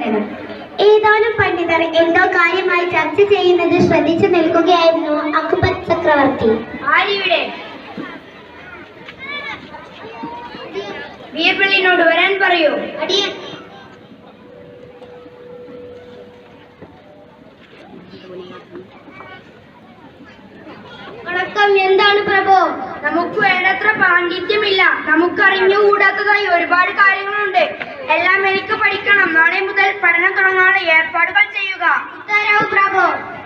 കേൾക്കണം. ഏതാനും പണ്ഡിതർ എന്തോ കാര്യമായി ചർച്ച ചെയ്യുന്നത് ശ്രദ്ധിച്ചു നിൽക്കുകയായിരുന്നു അക്ബർ ചക്രവർത്തി. ആരിവിടെ? ബീർബലിനോട് വരാൻ പറയൂ. അടിയൻ. വണക്കം. എന്താണ് പ്രഭു? നമുക്ക് വേണ്ടത്ര പാണ്ഡിത്യമില്ല. നമുക്കറിഞ്ഞുകൂടാത്തതായി ഒരുപാട് കാര്യങ്ങളുണ്ട്. എല്ലാം എനിക്ക് പഠിക്കണം. നാളെ മുതൽ പഠനം തുടങ്ങാനുള്ള ഏർപ്പാടുകൾ ചെയ്യുക. ഉത്തരവ് പ്രഭു.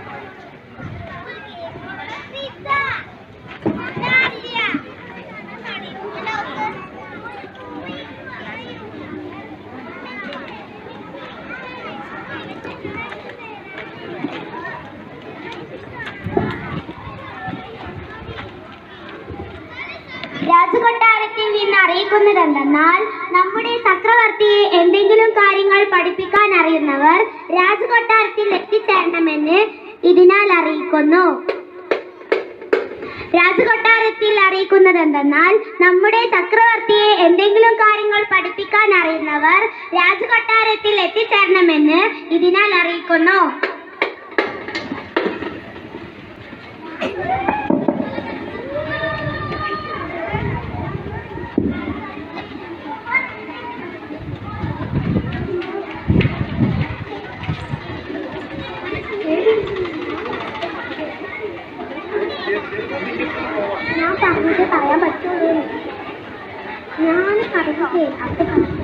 രാജകൊട്ടാരത്തിൽ നിന്ന് അറിയിക്കുന്നതെന്തെന്നാൽ നമ്മുടെ ചക്രവർത്തിയെ എന്തെങ്കിലും കാര്യങ്ങൾ പഠിപ്പിക്കാൻ അറിയുന്നവർ രാജകൊട്ടാരത്തിൽ എത്തിച്ചേരണമെന്ന് ഇതിനാൽ അറിയിക്കുന്നു. രാജകൊട്ടാരത്തിൽ അറിയിക്കുന്നതെന്തെന്നാൽ നമ്മുടെ ചക്രവർത്തിയെ എന്തെങ്കിലും കാര്യങ്ങൾ പഠിപ്പിക്കാൻ അറിയുന്നവർ രാജകൊട്ടാരത്തിൽ എത്തിച്ചേരണമെന്ന് ഇതിനാൽ അറിയിക്കുന്നു. ഞാൻ പറഞ്ഞത് പറയാൻ പറ്റുള്ളൂ. ഞാൻ പറഞ്ഞത് അത്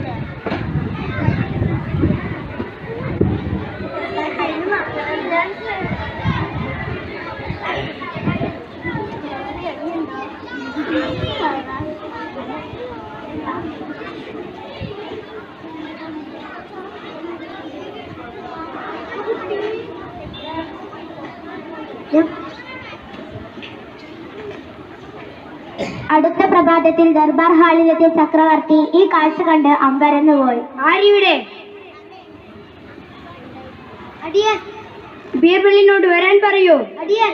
അടുത്ത പ്രഭാതത്തിൽ ദർബാർ ഹാളിലെത്തിയ ചക്രവർത്തി ഈ കാഴ്ച കണ്ട് അമ്പരന്നുപോയി. ആരിവിടെ? അടിയൻ. ബീർബലിനോട് വരാൻ പറയൂ. അടിയൻ.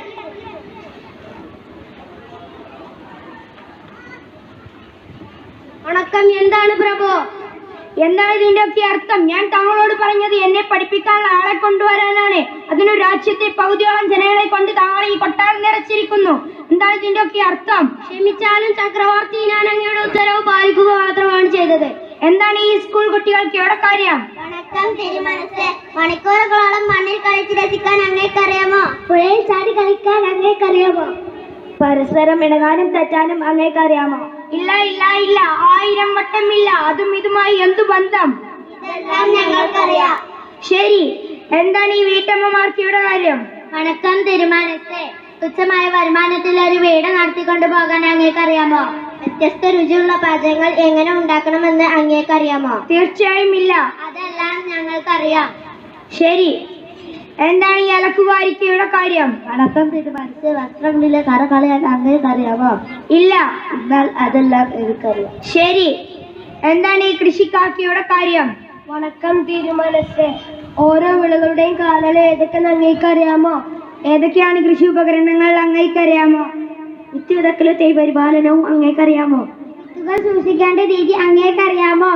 വണക്കം. എന്താണ് പ്രഭു? എന്താണ് ഇതിന്റെ ഒക്കെ അർത്ഥം? ഞാൻ താങ്കളോട് പറഞ്ഞത് എന്നെ പഠിപ്പിക്കാനുള്ള ആളെ കൊണ്ടുവരാനാണ്. അതിനു രാജ്യത്തെ പകുതിയോളം ജനങ്ങളെ കൊണ്ട് താങ്കൾ ഈ കൊട്ടാരം നിറച്ചിരിക്കുന്നു. എന്താണ് ഇതിന്റെ ഒക്കെ അർത്ഥം? ക്ഷമിച്ചാലും ചക്രവർത്തി, ഞാൻ അങ്ങയുടെ ഉത്തരവ് പാലിക്കുക മാത്രമാണ് ചെയ്തത്. എന്താണ് ഈ സ്കൂൾ കുട്ടികൾക്ക് ഇവിടെ കാര്യം? വണക്കം തിരുമനസ്സേ, മണിക്കൂറുകളോളം മണ്ണിൽ കളിച്ച് രസിക്കാൻ അങ്ങേക്കറിയാമോ? പുഴയിൽ ചാടി കളിക്കാൻ അങ്ങേക്കറിയാമോ? പരസ്പരം ഇടകാനും തെറ്റാനും അങ്ങേക്കറിയാമോ? ഇല്ല ഇല്ല ഇല്ല, 1000 വട്ടം ഇല്ല. അതും ഇതുമായി എന്തു ബന്ധം? ഇതെല്ലാം ഞങ്ങൾക്കറിയാം. ശരി, എന്താണ് ഈ വീട്ടമ്മമാർക്ക് ഇവിടെ കാര്യം? വണക്കം തിരുമനസ്സേ, തുച്ഛമായ വരുമാനത്തിൽ ഒരു വീട് നടത്തിക്കൊണ്ടു പോകാൻ അങ്ങേക്കറിയാമോ? വ്യത്യസ്ത രുചിയുള്ള പാചകങ്ങൾ എങ്ങനെ ഉണ്ടാക്കണമെന്ന് അങ്ങേക്കറിയാമോ? തീർച്ചയായും ഇല്ല. അതെല്ലാം ഞങ്ങൾക്കറിയാം. ശരി, എന്താണ് ഈ അലക്കുകാരിക്കയുടെ കാര്യം? വണക്കം തിരുമനസ്സേ, വസ്ത്രങ്ങളിലെ കറ കളയാൻ അങ്ങേക്കറിയാമോ? ഇല്ല. എന്നാൽ അതെല്ലാം എനിക്കറിയാം. ശരി, എന്താണ് ഈ കൃഷിക്കാക്കിയുടെ കാര്യം? വണക്കം തിരുമനസ്സേ, ഓരോ വിളകളുടെയും കാലം ഏതൊക്കെ അങ്ങേക്കറിയാമോ? ഏതൊക്കെയാണ് കൃഷി ഉപകരണങ്ങൾ അങ്ങേക്കറിയാമോ? വിത്ത് വിതക്കലും തൈ പരിപാലനവും അങ്ങേക്കറിയാമോ? വിത്തുകൾ സൂക്ഷിക്കേണ്ട രീതി അങ്ങേക്കറിയാമോ?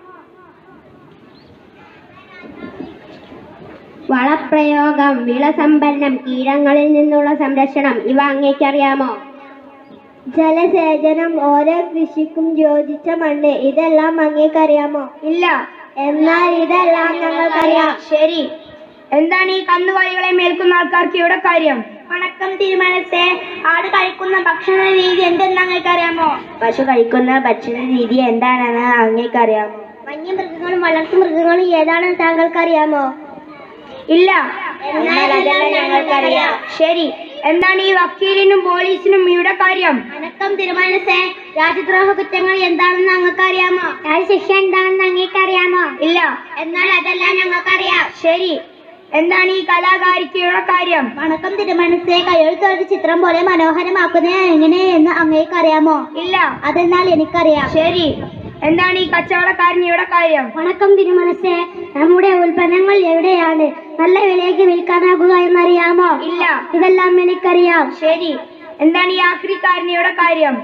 വളപ്രയോഗം, വിളസംഭരണം, കീടങ്ങളിൽ നിന്നുള്ള സംരക്ഷണം ഇവ അങ്ങേക്കറിയാമോ? ജലസേചനം, ഓരോ കൃഷിക്കും യോജിച്ച മണ്ണ് ഇതെല്ലാം അങ്ങേക്കറിയാമോ? ഇല്ല. എന്നാൽ ഇതെല്ലാം ഞങ്ങൾക്കറിയാം. ശരി, എന്താണ് ഈ കന്നുകാലികളെ മേൽക്കുന്ന ആൾക്കാർക്ക് ഇവിടെ കാര്യം? വണക്കം തിരുമനസ്സേ, ആട് കഴിക്കുന്ന ഭക്ഷണ രീതി എന്തെന്ന് അങ്ങേക്കറിയാമോ? പശു കഴിക്കുന്ന ഭക്ഷണ രീതി എന്താണെന്ന് അങ്ങേക്കറിയാമോ? വന്യമൃഗങ്ങളും വളർത്തു മൃഗങ്ങളും ഏതാണെന്ന് താങ്കൾക്കറിയാമോ? ഇല്ല. എന്നാൽ അതെല്ലാം ഞങ്ങൾക്കറിയാം. ശരി, എന്താണ് ഈ വക്കീലിനും പോലീസിനും ഇവിടെ കാര്യം? വണക്കം തിരുമനസ്സേ, രാജ്യദ്രോഹ കുറ്റങ്ങൾ എന്താണെന്ന് അങ്ങേക്കറിയാമോ? രാജ്യശിക്ഷ എന്താണെന്ന് അങ്ങേക്കറിയാമോ? ഇല്ല. എന്നാൽ അതെല്ലാം ഞങ്ങൾക്കറിയാം. ശരി, എന്താണ് ഈ കലാകാരിക്കയുടെ കാര്യം? വണക്കം തിരുമനസ്സേ, കയ്യെഴുത്തൊരു ചിത്രം പോലെ മനോഹരമാക്കുന്നത് എങ്ങനെയെന്ന് അങ്ങേക്കറിയാമോ? ഇല്ല. അതെന്നാൽ എനിക്കറിയാം. ശരി, എന്താണ് ഈ കച്ചവടക്കാരനിയുടെ കാര്യം? വണക്കം തിരുമനസ്സേ, നമ്മുടെ ഉൽപ്പന്നങ്ങൾ എവിടെയാണ് നല്ല വിലയ്ക്ക് വിൽക്കാനാകുക എന്നറിയാമോ? ഇല്ല. ഇതെല്ലാം എനിക്കറിയാം. ശരി, എന്താണ് ഈ ആക്രിക്കാരനിയുടെ കാര്യം?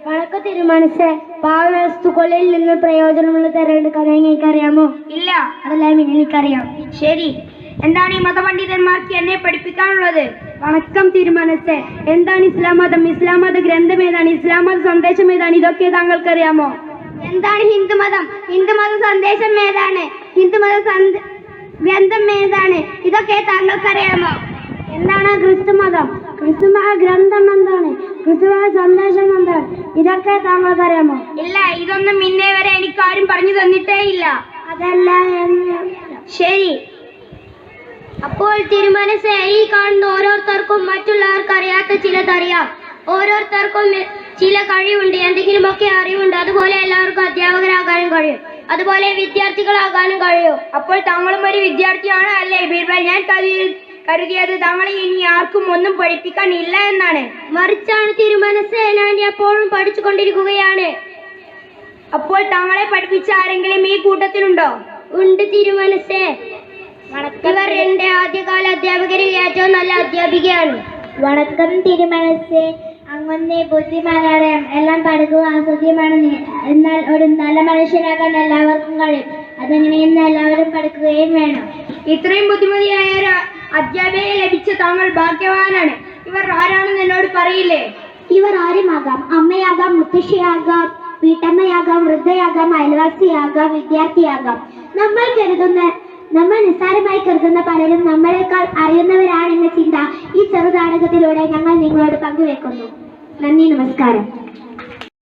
വണക്കം തിരുമനസ്സേ, പാവവസ്തുക്കളിൽ നിന്ന് പ്രയോജനമുള്ള തിരഞ്ഞെടുക്കാൻ എനിക്കറിയാമോ? ഇല്ല. അതെല്ലാം എനിക്കറിയാം. ശരി, എന്താണ് ഈ മതപണ്ഡിതന്മാർക്ക് എന്നെ പഠിപ്പിക്കാനുള്ളത്? വണക്കം തിരുമനസ്സേ, എന്താണ് ഇസ്ലാം മതം? ഇസ്ലാം മത ഗ്രന്ഥം ഏതാണ്? ഇസ്ലാം മത സന്ദേശം ഏതാണ്? ഇതൊക്കെ താങ്കൾക്കറിയാമോ? എന്താണ് ഹിന്ദുമതം? ഹിന്ദുമത സന്ദേശം ഏതാണ്? ഹിന്ദുമത ഗ്രന്ഥം ഏതാണ്? ഇതൊക്കെ താങ്കൾക്കറിയാമോ? എന്താണ് ക്രിസ്തുമതം? ക്രിസ്തുമത ഗ്രന്ഥം എന്താണ്? ക്രിസ്തുമത സന്ദേശം എന്താണ്? ഇതൊക്കെ താങ്കൾക്കറിയാമോ? ഇല്ല, ഇതൊന്നും ഇന്നേ വരെ എനിക്കാരും പറഞ്ഞു തന്നിട്ടേ ഇല്ല. അതല്ല ശരി. അപ്പോൾ തിരുമനസ്സേ, ഈ കാണുന്ന ഓരോരുത്തർക്കും മറ്റുള്ളവർക്ക് അറിയാത്ത ചിലതറിയാം. ഓരോരുത്തർക്കും ചില കഴിവുണ്ട്, എന്തെങ്കിലുമൊക്കെ അറിവുണ്ട്. അതുപോലെ എല്ലാവർക്കും അധ്യാപകരാകാനും കഴിയും, അതുപോലെ വിദ്യാർത്ഥികളാകാനും കഴിയും. അപ്പോൾ താങ്കളും ഒരു വിദ്യാർത്ഥിയാണ് അല്ലേ ബീർബൽ? ഞാൻ കരുതിയത് താങ്കളെ ഇനി ആർക്കും ഒന്നും പഠിപ്പിക്കാൻ ഇല്ല എന്നാണ്. മറിച്ചാണ് തിരുമനസ്സേ, ഞാൻ എപ്പോഴും പഠിച്ചുകൊണ്ടിരിക്കുകയാണ്. അപ്പോൾ താങ്കളെ പഠിപ്പിച്ച ആരെങ്കിലും ഈ കൂട്ടത്തിലുണ്ടോ? ഉണ്ട് തിരുമനസ്സേ. ഇവർ എന്റെ ആദ്യകാല അധ്യാപകരിൽ ഏറ്റവും നല്ല അധ്യാപികയാണ്. വണക്കം തിരുമനസ്സേ, അങ്ങനെ ബുദ്ധിമാനാണ്. എല്ലാം പഠിക്കുക അസാധ്യമാണ്, എന്നാൽ ഒരു നല്ല മനുഷ്യനാകാൻ എല്ലാവർക്കും കഴിയും. അതെങ്ങനെയെന്ന് എല്ലാവരും പഠിക്കുകയും വേണം. ഇത്രയും ബുദ്ധിമതിയായ ഒരു അധ്യാപികയെ ലഭിച്ച താങ്കൾ ഭാഗ്യവാനാണ്. ഇവർ ആരാണെന്ന് എന്നോട് പറയില്ലേ? ഇവർ ആരുമാകാം. അമ്മയാകാം, മുത്തശ്ശിയാകാം, വീട്ടമ്മയാകാം, വൃദ്ധയാകാം, അയൽവാസിയാകാം, വിദ്യാർത്ഥിയാകാം. നമ്മൾ നിസ്സാരമായി കരുതുന്ന പലരും നമ്മളെക്കാൾ അറിയുന്നവരാണെന്ന ചിന്ത ഈ ചെറുനാടകത്തിലൂടെ ഞങ്ങൾ നിങ്ങളോട് പങ്കുവെക്കുന്നു. നന്ദി, നമസ്കാരം.